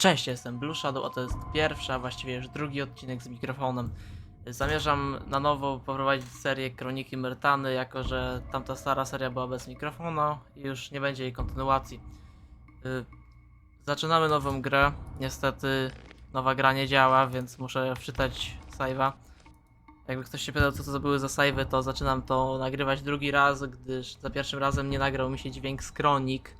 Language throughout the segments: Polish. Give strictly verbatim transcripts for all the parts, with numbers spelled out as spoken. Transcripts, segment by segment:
Cześć, jestem Blue Shadow, a to jest pierwszy, a właściwie już drugi odcinek z mikrofonem. Zamierzam na nowo poprowadzić serię Kroniki Myrtany, jako że tamta stara seria była bez mikrofonu i już nie będzie jej kontynuacji. Yy, zaczynamy nową grę. Niestety nowa gra nie działa, więc muszę wczytać save'a. Jakby ktoś się pytał, co to były za save'y, to zaczynam to nagrywać drugi raz, gdyż za pierwszym razem nie nagrał mi się dźwięk z kronik.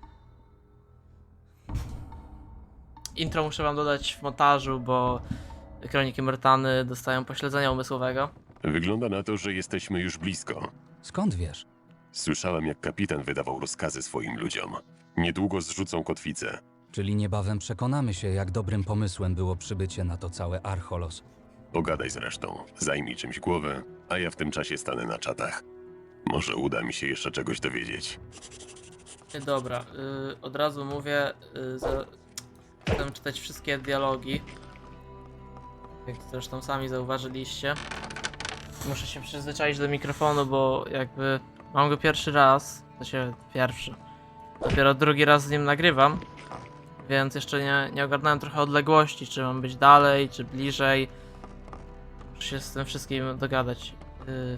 Intro muszę wam dodać w montażu, bo Kroniki Myrtany dostają pośledzenia umysłowego. Wygląda na to, że jesteśmy już blisko. Skąd wiesz? Słyszałem, jak kapitan wydawał rozkazy swoim ludziom. Niedługo zrzucą kotwicę. Czyli niebawem przekonamy się, jak dobrym pomysłem było przybycie na to całe Archolos. Pogadaj z resztą, zajmij czymś głowę, a ja w tym czasie stanę na czatach. Może uda mi się jeszcze czegoś dowiedzieć. Dobra, yy, od razu mówię, yy, za... chcę czytać wszystkie dialogi. Jak to zresztą sami zauważyliście. Muszę się przyzwyczaić do mikrofonu, bo jakby mam go pierwszy raz, to się pierwszy. Dopiero drugi raz z nim nagrywam, więc jeszcze nie, nie ogarnąłem trochę odległości, czy mam być dalej, czy bliżej. Muszę się z tym wszystkim dogadać. Yy,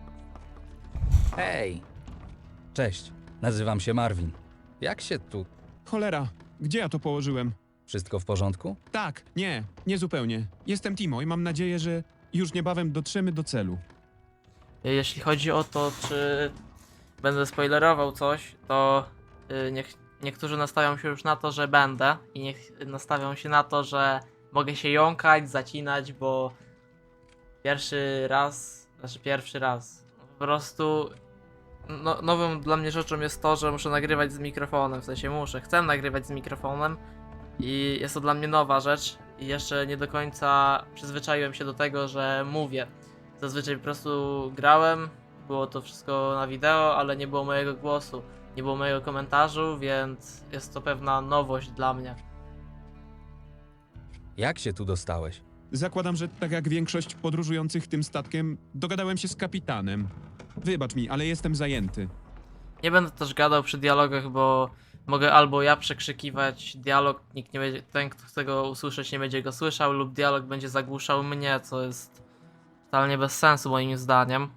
Hej! Cześć, nazywam się Marvin. Jak się tu... Cholera, gdzie ja to położyłem? Wszystko w porządku? Tak, nie, nie zupełnie. Jestem Timo i mam nadzieję, że już niebawem dotrzemy do celu. Jeśli chodzi o to, czy będę spoilerował coś, to yy, niech, niektórzy nastawią się już na to, że będę i niech nastawią się na to, że mogę się jąkać, zacinać, bo pierwszy raz, znaczy pierwszy raz, po prostu no, nową dla mnie rzeczą jest to, że muszę nagrywać z mikrofonem, w sensie muszę, chcę nagrywać z mikrofonem i jest to dla mnie nowa rzecz i jeszcze nie do końca przyzwyczaiłem się do tego, że mówię. Zazwyczaj po prostu grałem, było to wszystko na wideo, ale nie było mojego głosu, nie było mojego komentarzu, więc jest to pewna nowość dla mnie. Jak się tu dostałeś? Zakładam, że tak jak większość podróżujących tym statkiem, dogadałem się z kapitanem. Wybacz mi, ale jestem zajęty. Nie będę też gadał przy dialogach, bo mogę albo ja przekrzykiwać dialog, nikt nie będzie, ten kto chce go usłyszeć nie będzie go słyszał, lub dialog będzie zagłuszał mnie, co jest totalnie bez sensu moim zdaniem.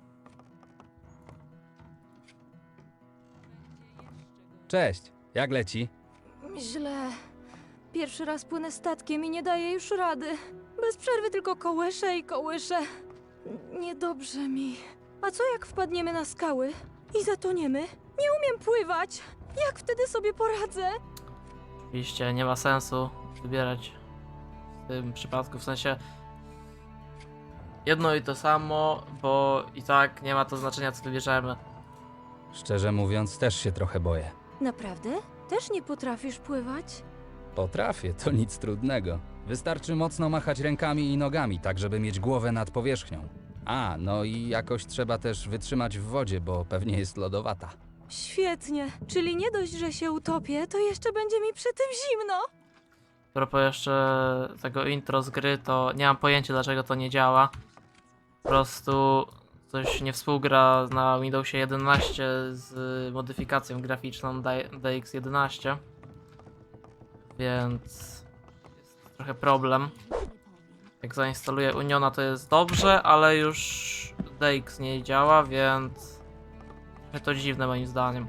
Cześć, jak leci? Źle. Pierwszy raz płynę statkiem i nie daję już rady. Bez przerwy tylko kołyszę i kołyszę. Niedobrze mi. A co jak wpadniemy na skały i zatoniemy? Nie umiem pływać. Jak wtedy sobie poradzę? Oczywiście nie ma sensu wybierać w tym przypadku, w sensie jedno i to samo, bo i tak nie ma to znaczenia, co wybierzemy. Szczerze mówiąc, też się trochę boję. Naprawdę? Też nie potrafisz pływać? Potrafię, to nic trudnego. Wystarczy mocno machać rękami i nogami, tak żeby mieć głowę nad powierzchnią. A, no i jakoś trzeba też wytrzymać w wodzie, bo pewnie jest lodowata. Świetnie. Czyli nie dość, że się utopię, to jeszcze będzie mi przy tym zimno. A propos jeszcze tego intro z gry, to nie mam pojęcia, dlaczego to nie działa. Po prostu coś nie współgra na Windowsie jedenaście z modyfikacją graficzną D X jedenaście. Więc jest trochę problem. Jak zainstaluję Uniona, to jest dobrze, ale już D X nie działa, więc trochę to dziwne moim zdaniem.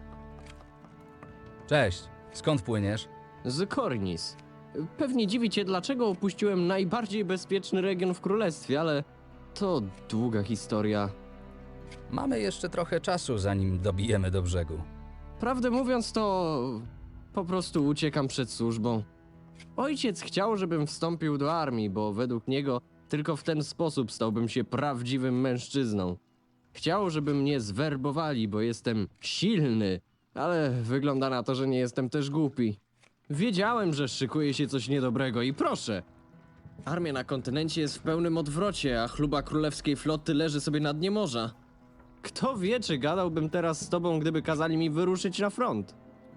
Cześć, skąd płyniesz? Z Kornis. Pewnie dziwi cię, dlaczego opuściłem najbardziej bezpieczny region w królestwie, ale to długa historia. Mamy jeszcze trochę czasu, zanim dobijemy do brzegu. Prawdę mówiąc, to po prostu uciekam przed służbą. Ojciec chciał, żebym wstąpił do armii, bo według niego tylko w ten sposób stałbym się prawdziwym mężczyzną. Chciał, żeby mnie zwerbowali, bo jestem silny, ale wygląda na to, że nie jestem też głupi. Wiedziałem, że szykuje się coś niedobrego i proszę. Armia na kontynencie jest w pełnym odwrocie, a chluba królewskiej floty leży sobie na dnie morza. Kto wie, czy gadałbym teraz z tobą, gdyby kazali mi wyruszyć na front?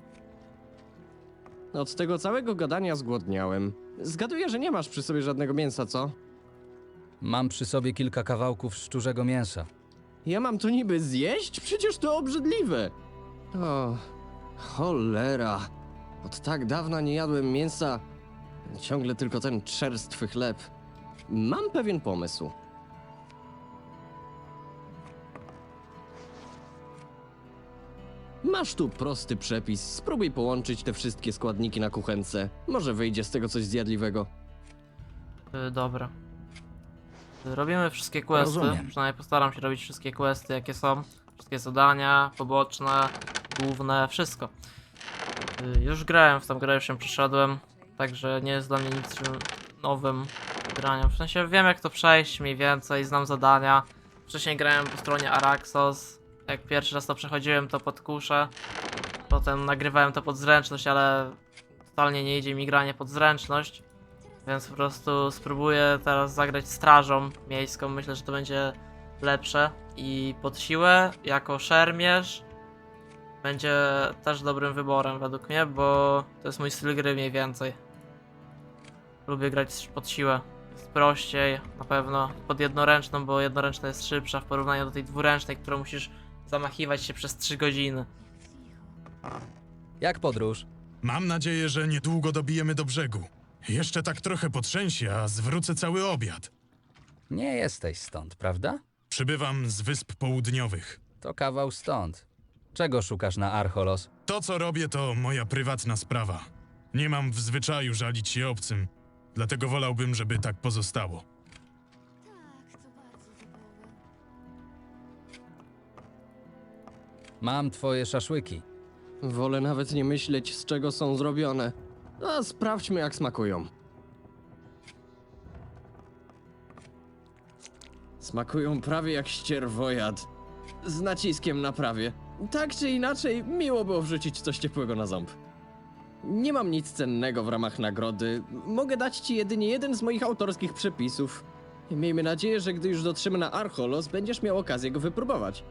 Od tego całego gadania zgłodniałem. Zgaduję, że nie masz przy sobie żadnego mięsa, co? Mam przy sobie kilka kawałków szczurzego mięsa. Ja mam to niby zjeść? Przecież to obrzydliwe! O, cholera. Od tak dawna nie jadłem mięsa. Ciągle tylko ten czerstwy chleb. Mam pewien pomysł. Masz tu prosty przepis. Spróbuj połączyć te wszystkie składniki na kuchence. Może wyjdzie z tego coś zjadliwego. Y, dobra. Y, Robimy wszystkie questy. Rozumiem. Przynajmniej postaram się robić wszystkie questy, jakie są. Wszystkie zadania, poboczne, główne, wszystko. Y, Już grałem w tą grę, już się przeszedłem. Także nie jest dla mnie nic nowym graniem. W sensie wiem, jak to przejść mniej więcej, znam zadania. Wcześniej grałem po stronie Araxos. Jak pierwszy raz to przechodziłem, to pod kuszę. Potem nagrywałem to pod zręczność, ale totalnie nie idzie mi granie pod zręczność. Więc po prostu spróbuję teraz zagrać strażą miejską. Myślę, że to będzie lepsze. I pod siłę, jako szermierz, będzie też dobrym wyborem według mnie, bo to jest mój styl gry mniej więcej. Lubię grać pod siłę. Jest prościej, na pewno. Pod jednoręczną, bo jednoręczna jest szybsza w porównaniu do tej dwuręcznej, którą musisz zamachiwać się przez trzy godziny. Jak podróż? Mam nadzieję, że niedługo dobijemy do brzegu. Jeszcze tak trochę potrzęsie, a zwrócę cały obiad. Nie jesteś stąd, prawda? Przybywam z Wysp Południowych. To kawał stąd. Czego szukasz na Archolos? To, co robię, to moja prywatna sprawa. Nie mam w zwyczaju żalić się obcym, dlatego wolałbym, żeby tak pozostało. Mam twoje szaszłyki. Wolę nawet nie myśleć, z czego są zrobione. A sprawdźmy, jak smakują. Smakują prawie jak ścierwojad. Z naciskiem na prawie. Tak czy inaczej, miło było wrzucić coś ciepłego na ząb. Nie mam nic cennego w ramach nagrody. Mogę dać ci jedynie jeden z moich autorskich przepisów. I miejmy nadzieję, że gdy już dotrzemy na Archolos, będziesz miał okazję go wypróbować.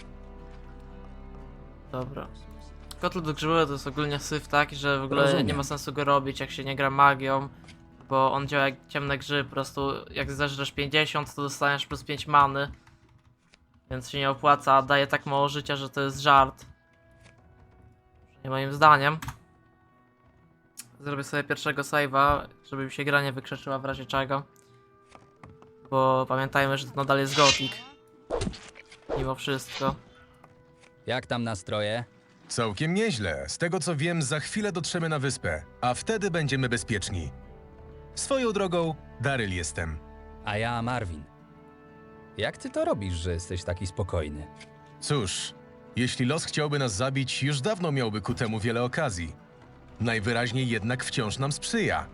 Dobra. Kotlet grzybowy to jest ogólnie syf taki, że w ogóle Rozumiem. nie ma sensu go robić, jak się nie gra magią. Bo on działa jak ciemne grzyby, po prostu jak zeżresz pięćdziesiąt, to dostaniesz plus pięć many. Więc się nie opłaca, a daje tak mało życia, że to jest żart. Nie moim zdaniem. Zrobię sobie pierwszego save'a, żeby mi się gra nie wykrzeczyła w razie czego. Bo pamiętajmy, że to nadal jest Gothic. Mimo wszystko. Jak tam nastroje? Całkiem nieźle. Z tego co wiem, za chwilę dotrzemy na wyspę, a wtedy będziemy bezpieczni. Swoją drogą, Daryl jestem. A ja Marvin. Jak ty to robisz, że jesteś taki spokojny? Cóż, jeśli los chciałby nas zabić, już dawno miałby ku temu wiele okazji. Najwyraźniej jednak wciąż nam sprzyja.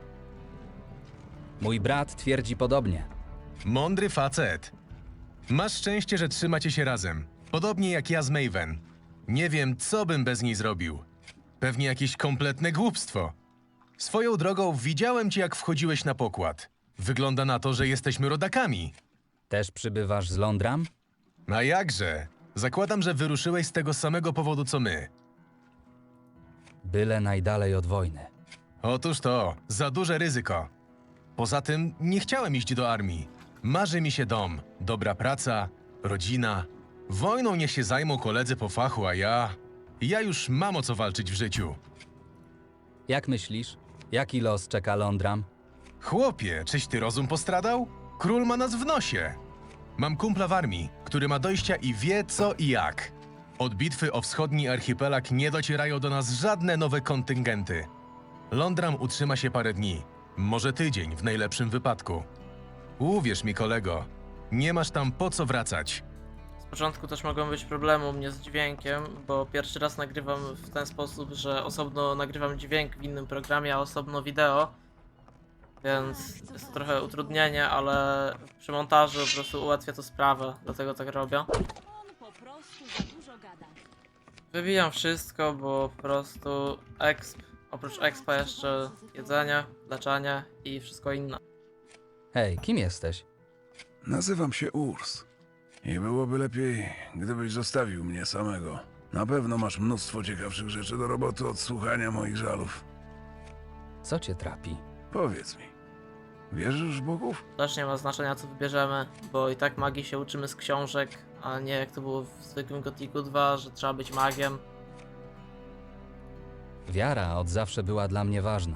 Mój brat twierdzi podobnie. Mądry facet. Masz szczęście, że trzymacie się razem. Podobnie jak ja z Maven. Nie wiem, co bym bez niej zrobił. Pewnie jakieś kompletne głupstwo. Swoją drogą widziałem cię, jak wchodziłeś na pokład. Wygląda na to, że jesteśmy rodakami. Też przybywasz z Londram? A jakże? Zakładam, że wyruszyłeś z tego samego powodu, co my. Byle najdalej od wojny. Otóż to, za duże ryzyko. Poza tym nie chciałem iść do armii. Marzy mi się dom, dobra praca, rodzina. Wojną niech się zajmą koledzy po fachu, a ja... Ja już mam o co walczyć w życiu. Jak myślisz? Jaki los czeka Londram? Chłopie, czyś ty rozum postradał? Król ma nas w nosie. Mam kumpla w armii, który ma dojścia i wie co i jak. Od bitwy o wschodni archipelag nie docierają do nas żadne nowe kontyngenty. Londram utrzyma się parę dni, może tydzień w najlepszym wypadku. Uwierz mi, kolego, nie masz tam po co wracać. Z początku też mogą być problemy u mnie z dźwiękiem, bo pierwszy raz nagrywam w ten sposób, że osobno nagrywam dźwięk w innym programie, a osobno wideo. Więc jest to trochę utrudnienie, ale przy montażu po prostu ułatwia to sprawę, dlatego tak robię. On po prostu za dużo gada. Wybijam wszystko, bo po prostu exp, oprócz expa jeszcze jedzenie, leczenie i wszystko inne. Hej, kim jesteś? Nazywam się Urs. I byłoby lepiej, gdybyś zostawił mnie samego. Na pewno masz mnóstwo ciekawszych rzeczy do roboty od słuchania moich żalów. Co cię trapi? Powiedz mi, wierzysz w bogów? Też nie ma znaczenia co wybierzemy, bo i tak magii się uczymy z książek, a nie jak to było w zwykłym Gothicu dwa, że trzeba być magiem. Wiara od zawsze była dla mnie ważna.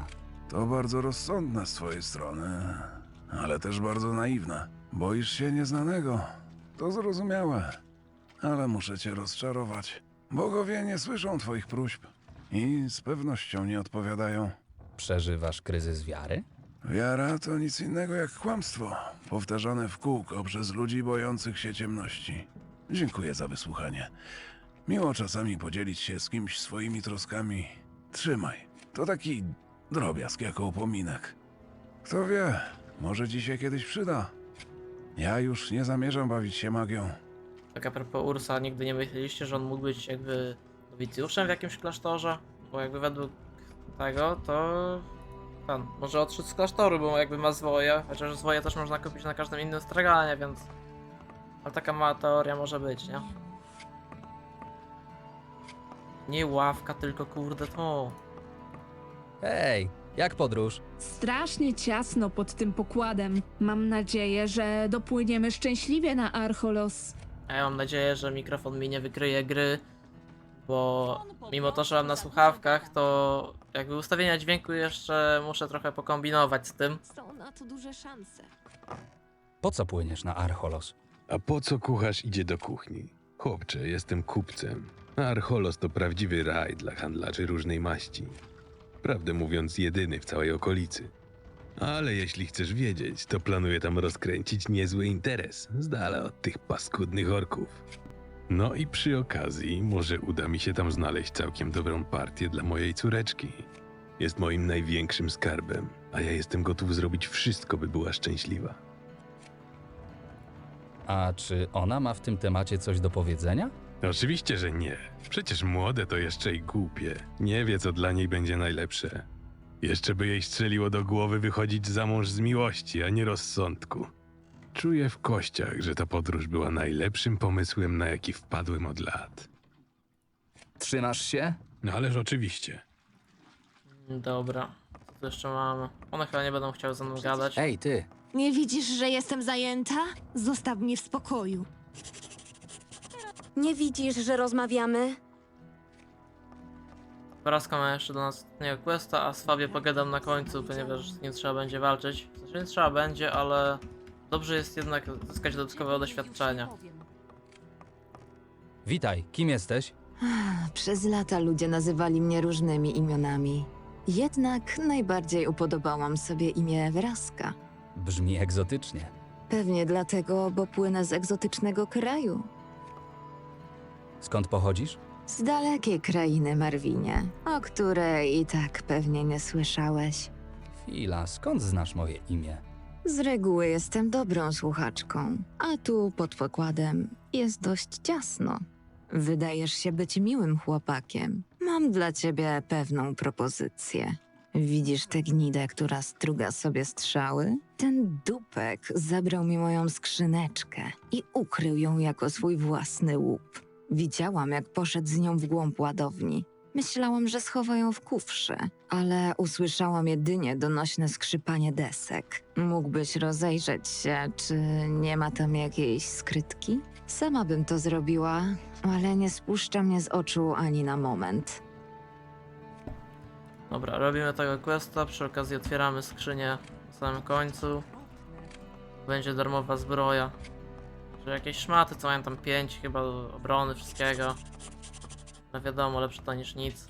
To bardzo rozsądne z twojej strony, ale też bardzo naiwne. Boisz się nieznanego. To zrozumiałe. Ale muszę cię rozczarować. Bogowie nie słyszą twoich próśb i z pewnością nie odpowiadają. Przeżywasz kryzys wiary? Wiara to nic innego jak kłamstwo, powtarzane w kółko przez ludzi bojących się ciemności. Dziękuję za wysłuchanie. Miło czasami podzielić się z kimś swoimi troskami. Trzymaj. To taki drobiazg jako upominek. Kto wie, może ci się kiedyś przyda. Ja już nie zamierzam bawić się magią. Tak a propos Ursa, nigdy nie myśleliście, że on mógł być jakby nowicjuszem w jakimś klasztorze? Bo jakby według tego, to pan może odszedł z klasztoru, bo jakby ma zwoje, chociaż zwoje też można kupić na każdym innym straganie, więc... Ale taka mała teoria może być, nie? Nie ławka, tylko kurde to. Hej, jak podróż? Strasznie ciasno pod tym pokładem. Mam nadzieję, że dopłyniemy szczęśliwie na Archolos. A ja mam nadzieję, że mikrofon mi nie wykryje gry, bo mimo to, że mam na słuchawkach, to jakby ustawienia dźwięku jeszcze muszę trochę pokombinować z tym. Są na to duże szanse. Po co płyniesz na Archolos? A po co kucharz idzie do kuchni? Chłopcze, jestem kupcem. A Archolos to prawdziwy raj dla handlarzy różnej maści. Prawdę mówiąc, jedyny w całej okolicy. Ale jeśli chcesz wiedzieć, to planuję tam rozkręcić niezły interes, z dala od tych paskudnych orków. No i przy okazji, może uda mi się tam znaleźć całkiem dobrą partię dla mojej córeczki. Jest moim największym skarbem, a ja jestem gotów zrobić wszystko, by była szczęśliwa. A czy ona ma w tym temacie coś do powiedzenia? Oczywiście, że nie. Przecież młode to jeszcze i głupie. Nie wie, co dla niej będzie najlepsze. Jeszcze by jej strzeliło do głowy wychodzić za mąż z miłości, a nie rozsądku. Czuję w kościach, że ta podróż była najlepszym pomysłem, na jaki wpadłem od lat. Trzymasz się? No ależ oczywiście. Dobra, co tu jeszcze mamy? One chyba nie będą chciały ze mną gadać. Ej, ty! Nie widzisz, że jestem zajęta? Zostaw mnie w spokoju. Nie widzisz, że rozmawiamy? Porażka ma jeszcze do nas ostatniego questa, a z Fabie pogadam na końcu, ponieważ z nim trzeba będzie walczyć. W sensie nie trzeba będzie, ale dobrze jest jednak zyskać dodatkowe doświadczenia. Witaj, kim jesteś? Przez lata ludzie nazywali mnie różnymi imionami. Jednak najbardziej upodobałam sobie imię Wraska. Brzmi egzotycznie. Pewnie dlatego, bo płynę z egzotycznego kraju. Skąd pochodzisz? Z dalekiej krainy, Marwinie, o której i tak pewnie nie słyszałeś. Chwila, skąd znasz moje imię? Z reguły jestem dobrą słuchaczką, a tu pod pokładem jest dość ciasno. Wydajesz się być miłym chłopakiem. Mam dla ciebie pewną propozycję. Widzisz tę gnidę, która struga sobie strzały? Ten dupek zabrał mi moją skrzyneczkę i ukrył ją jako swój własny łup. Widziałam, jak poszedł z nią w głąb ładowni. Myślałam, że schowa ją w kufrze, ale usłyszałam jedynie donośne skrzypanie desek. Mógłbyś rozejrzeć się, czy nie ma tam jakiejś skrytki? Sama bym to zrobiła, ale nie spuszcza mnie z oczu ani na moment. Dobra, robimy tego questa, przy okazji otwieramy skrzynię na samym końcu. Będzie darmowa zbroja. Że jakieś szmaty, co mają tam pięć chyba obrony, wszystkiego. No wiadomo, lepsze to niż nic.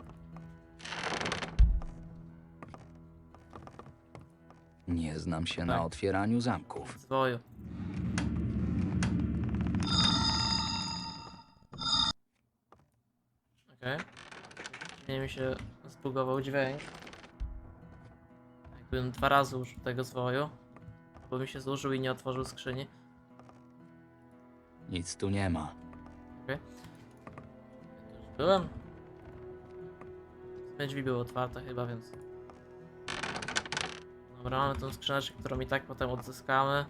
Nie znam się na Tak. otwieraniu zamków. Zwoju. Okej. Nie mi się zbugował dźwięk. Jakbym dwa razy użył tego zwoju. Bo mi się zużył i nie otworzył skrzyni. Nic tu nie ma. Okej. Tu już byłem. W sumie drzwi były otwarte chyba, więc... Dobra, mamy tą skrzyneczkę, którą i tak potem odzyskamy.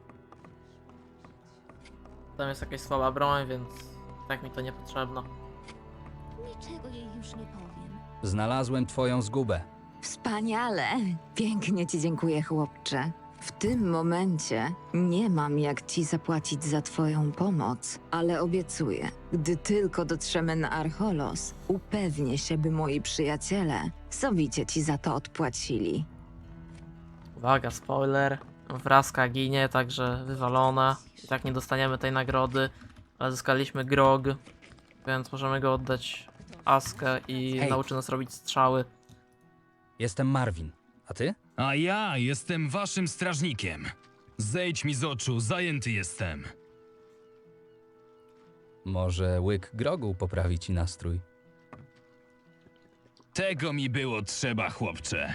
Tam jest jakaś słaba broń, więc tak mi to niepotrzebne. Niczego jej już nie powiem. Znalazłem twoją zgubę. Wspaniale! Pięknie ci dziękuję, chłopcze. W tym momencie nie mam jak ci zapłacić za twoją pomoc, ale obiecuję, gdy tylko dotrzemy na Archolos, upewnię się, by moi przyjaciele sowicie ci za to odpłacili. Uwaga, spoiler. Wraska ginie, także wywalona. I tak nie dostaniemy tej nagrody, ale zyskaliśmy grog, więc możemy go oddać Askę i Hej. nauczy nas robić strzały. Jestem Marvin. A ty? A ja jestem waszym strażnikiem. Zejdź mi z oczu, zajęty jestem. Może łyk grogu poprawi ci nastrój? Tego mi było trzeba, chłopcze.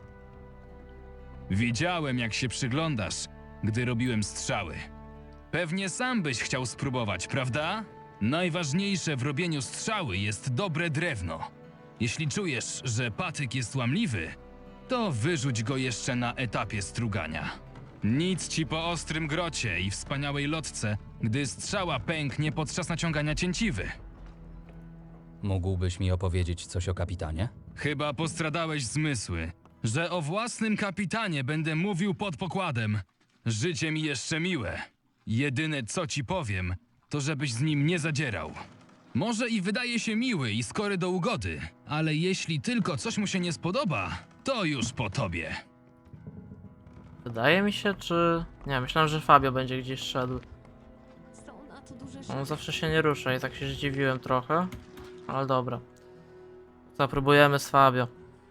Widziałem, jak się przyglądasz, gdy robiłem strzały. Pewnie sam byś chciał spróbować, prawda? Najważniejsze w robieniu strzały jest dobre drewno. Jeśli czujesz, że patyk jest łamliwy, to wyrzuć go jeszcze na etapie strugania. Nic ci po ostrym grocie i wspaniałej lotce, gdy strzała pęknie podczas naciągania cięciwy. Mógłbyś mi opowiedzieć coś o kapitanie? Chyba postradałeś zmysły, że o własnym kapitanie będę mówił pod pokładem. Życie mi jeszcze miłe. Jedyne co ci powiem, to żebyś z nim nie zadzierał. Może i wydaje się miły i skory do ugody, ale jeśli tylko coś mu się nie spodoba, to już po tobie. Wydaje mi się, czy... Nie, myślałem, że Fabio będzie gdzieś szedł. Są na to duże On zawsze się nie rusza i tak się zdziwiłem trochę. Ale dobra. Zapróbujemy z Fabio.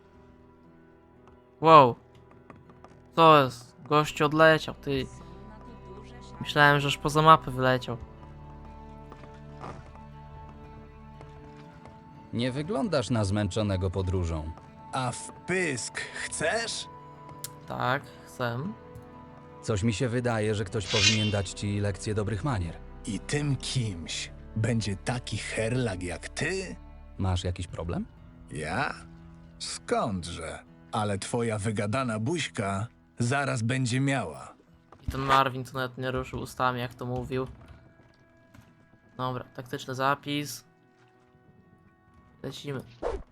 Wow. Co jest? Gościu odleciał, ty. Myślałem, że już poza mapę wyleciał. Nie wyglądasz na zmęczonego podróżą. A w pysk chcesz? Tak, chcę. Coś mi się wydaje, że ktoś powinien dać ci lekcję dobrych manier. I tym kimś będzie taki herlag jak ty? Masz jakiś problem? Ja? Skądże? Ale twoja wygadana buźka zaraz będzie miała. I ten Marvin to nawet nie ruszył ustami, jak to mówił. Dobra, taktyczny zapis. Lecimy.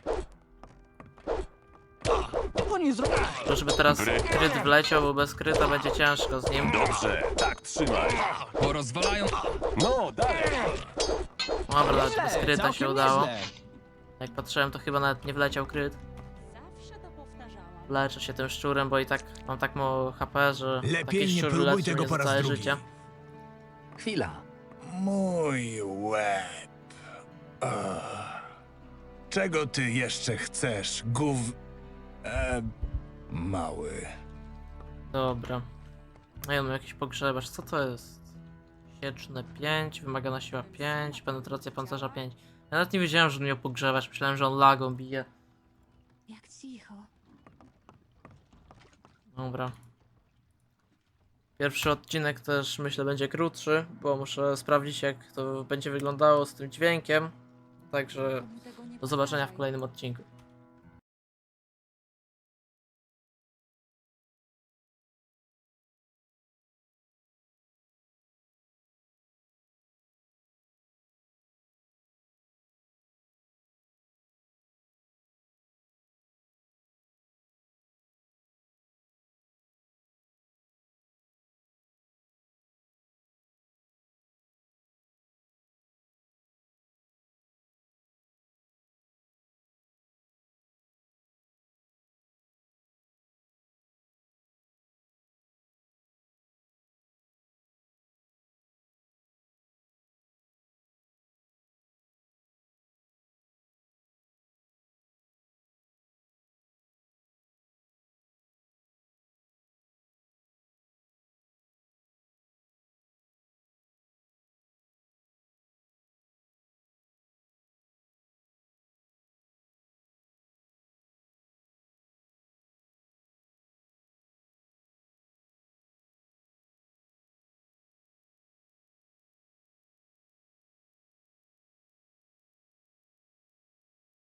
To żeby teraz kryt wleciał, bo bez kryta będzie ciężko z nim. Dobrze, tak trzymaj. Porozwalają... No, dalej. Dobra, nawet bez kryta się udało. Jak patrzyłem, to chyba nawet nie wleciał kryt. Leczę się tym szczurem, bo i tak mam tak mało H P, że Lepiej taki nie szczur próbuj leczy tego mnie po za raz całe drugi. życie. Chwila. Mój łeb. Ugh. Czego ty jeszcze chcesz, gów... E, mały. Dobra. A ja mam jakiś pogrzebacz. Co to jest? Sieczne pięć, wymagana siła pięć, penetracja pancerza pięć. Ja nawet nie wiedziałem, że on miał pogrzebacz. Myślałem, że on lagą bije. Jak cicho. Dobra. Pierwszy odcinek też myślę będzie krótszy, bo muszę sprawdzić, jak to będzie wyglądało z tym dźwiękiem. Także do zobaczenia w kolejnym odcinku.